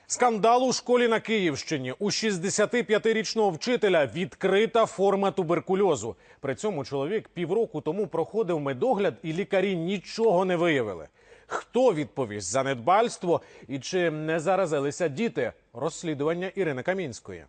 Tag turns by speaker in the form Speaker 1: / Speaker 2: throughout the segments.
Speaker 1: Скандал у школі на Київщині. У 65-річного вчителя відкрита форма туберкульозу. При цьому чоловік півроку тому проходив медогляд і лікарі нічого не виявили. Хто відповість за недбальство і чи не заразилися діти? Розслідування Ірини Камінської.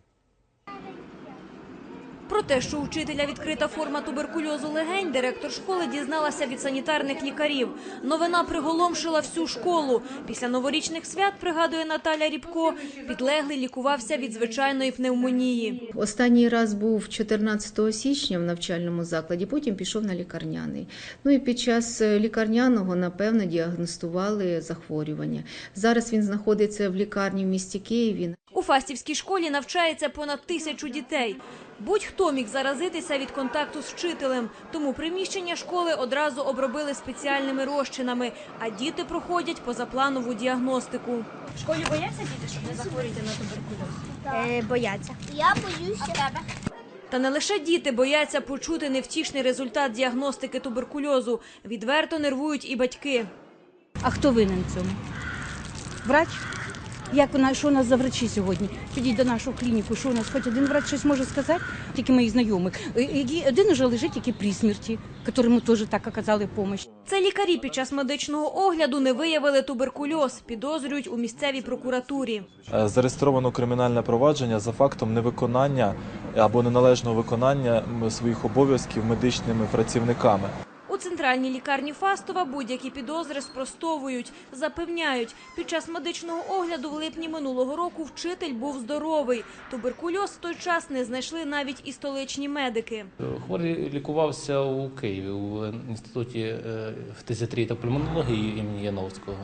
Speaker 2: Про те, що у вчителя відкрита форма туберкульозу легень, директор школи дізналася від санітарних лікарів. Новина приголомшила всю школу. Після новорічних свят, пригадує Наталя Рібко, підлеглий лікувався від звичайної пневмонії.
Speaker 3: Останній раз був 14 січня в навчальному закладі, потім пішов на лікарняний. І під час лікарняного, напевно, діагностували захворювання. Зараз він знаходиться в лікарні в місті Києві.
Speaker 2: У Фастівській школі навчається понад 1000 дітей. Будь-хто міг заразитися від контакту з вчителем, тому приміщення школи одразу обробили спеціальними розчинами, а діти проходять позапланову діагностику.
Speaker 4: В школі бояться діти, щоб не захворіти на туберкульоз?
Speaker 5: Бояться. Я боюся.
Speaker 2: Та не лише діти бояться почути невтішний результат діагностики туберкульозу. Відверто нервують і батьки.
Speaker 4: А хто винен в цьому? Врач? Що у нас за врачі сьогодні? Підіть до нашу клініку, що у нас хоч один врач щось може сказати? Тільки моїх знайомих. Один уже лежить, який при смерті, якому теж так оказали допомогу.
Speaker 2: Це лікарі під час медичного огляду не виявили туберкульоз, підозрюють у місцевій прокуратурі.
Speaker 6: Зареєстровано кримінальне провадження за фактом невиконання або неналежного виконання своїх обов'язків медичними працівниками.
Speaker 2: У центральній лікарні Фастова будь-які підозри спростовують. Запевняють, під час медичного огляду в липні минулого року вчитель був здоровий. Туберкульоз в той час не знайшли навіть і столичні медики.
Speaker 7: Хворий лікувався у Києві, у інституті фтизіатрії та пульмонології імені Яновського.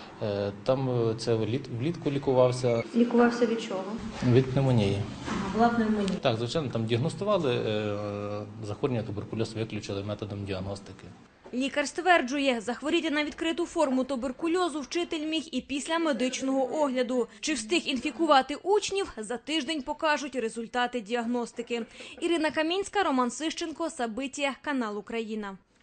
Speaker 7: Там це влітку лікувався.
Speaker 2: Лікувався від чого?
Speaker 7: Від пневмонії.
Speaker 2: Була пневмонія.
Speaker 7: Так, звичайно, там діагностували захворювання туберкульозу, виключили методом діагностики.
Speaker 2: Лікар стверджує, захворіти на відкриту форму туберкульозу вчитель міг і після медичного огляду. Чи встиг інфікувати учнів, за тиждень покажуть результати діагностики. Ірина Камінська, Роман Сищенко, Сабиття, канал Україна.